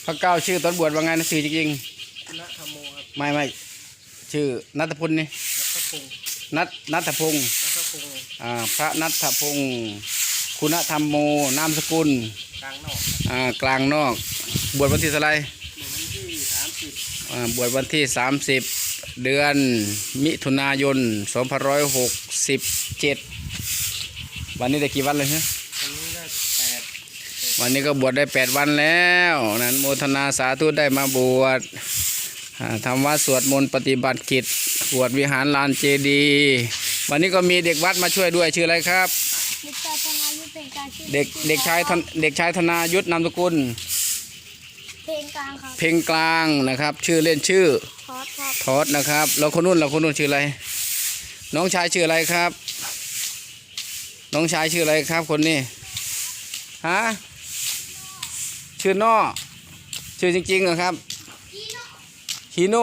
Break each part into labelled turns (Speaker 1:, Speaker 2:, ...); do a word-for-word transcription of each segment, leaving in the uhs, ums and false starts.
Speaker 1: พระเก้าชื่อตอนบวชว่าไงนะชื่อจริง
Speaker 2: ณธรรมโมครับ
Speaker 1: ๆไม่ไม่ชื่อนัทพลนี่
Speaker 2: นัทพงศ์
Speaker 1: นัทนัทพงศ์
Speaker 2: นัทพงศ์
Speaker 1: อ่าพระนัทพงศ์คุณธรรมโมนามสกุล
Speaker 2: กลางนอก
Speaker 1: อ่ากลางนอกบวชวันที่อะไร
Speaker 2: วันที่สามสิบ
Speaker 1: อ่าบวชวันที่สามสิบเดือนมิถุนายนสองพันร้อยหกสิบเจ็ดวันนี้ได้กี่วันเลยฮะ
Speaker 2: วันนี้ได้แปด
Speaker 1: วันนี้ก็บวชได้แปดวันแล้วนั้นโมทนาสาธุได้มาบวชทำวัดสวดมนต์ปฏิบัติกิจบวชวิหารลานเจดีย์วันนี้ก็มีเด็กวัดมาช่วยด้วยชื่ออะไรครับ
Speaker 3: เด็กชายธนายุทธเป็นการชื่อ
Speaker 1: เด็กเด็กชายเด็กชายธนายุทธนามสกุล
Speaker 3: เพลงกลางครับ
Speaker 1: เพลงกลางนะครับชื่อเล่นชื่อ
Speaker 3: ทอดครับ
Speaker 1: ทอดนะครับแล้วคนนู้นเราคนนู้นชื่ออะไรน้องชายชื่ออะไรครับ น้องชายชื่ออะไรครับคนนี้ฮะชื่อนอชื่อจริงๆเหรอครับฮีโน่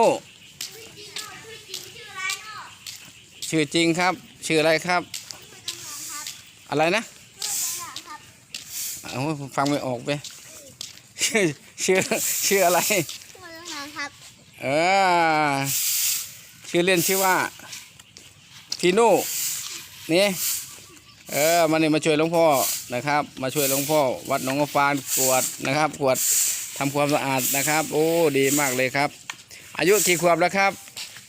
Speaker 1: ชื่อจริงครับชื่ออะไรครับอะไรนะเอาฟังไม่ออกไปชื่อชื่อชื่ออะไรเออชื่อเล่นชื่อว่าฮีโน่นี่เออมาเนี่ยมาช่วยหลวงพ่อนะครับมาช่วยหลวงพ่อวัดหนองกระฟานกวดนะครับกวดทำความสะอาดนะครับโอ้ดีมากเลยครับอายุกี่ขวบแล้วครับ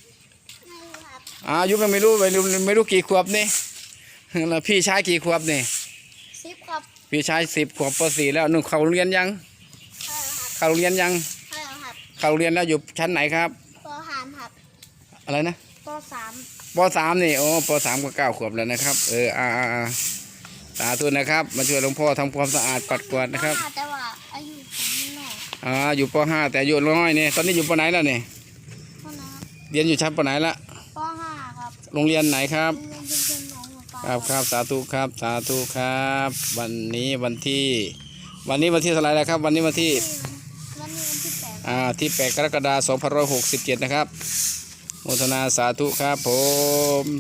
Speaker 1: อายุยังไม่รู้ไม่รู้ไม่รู้กี่ขวบนี่แล้วพี่ชายกี่ขวบนี่
Speaker 3: สิบครับ
Speaker 1: พี่ชายสิบขวบปสี่แล้วนุ่งเข้าโรงเรียนยังเข้าโรงเรียนยังเข้าโรงเรียนแล้วอยู่ชั้นไหนครับ
Speaker 3: ปสามครับ
Speaker 1: อะไรนะ
Speaker 3: ปสาม
Speaker 1: ปสามนี่โอ้ปสามก็เก้าขวบแล้วนะครับเอออ่าอ่าสาธุนะครับมาช่วยหลวงพ่อทำความสะอาดปัดกวาดนะครับ
Speaker 3: แต่ว่าอายุผมน้อย
Speaker 1: อ่าอยู่ปห้าแต่อายุน้อยนี่ตอนนี้อยู่ปไหนแล้วนี่เรียนอยู่ชั้นปไหนละ
Speaker 3: ปห้าครับ
Speaker 1: โรงเรียนไหนครับ
Speaker 3: โรงเรียนชุมชนหนองหัวปลา
Speaker 1: ครับครับสาธุครับสาธุครับวันนี้วันที่วันนี้วันที่เท่าไหร่แล้วครับวันนี้วันที่
Speaker 3: วันนี้วันที่แปด
Speaker 1: อ่าที่แปดกรกฎาคมสองพันร้อยหกสิบเจ็ดนะครับโมทนาสาธุครับผม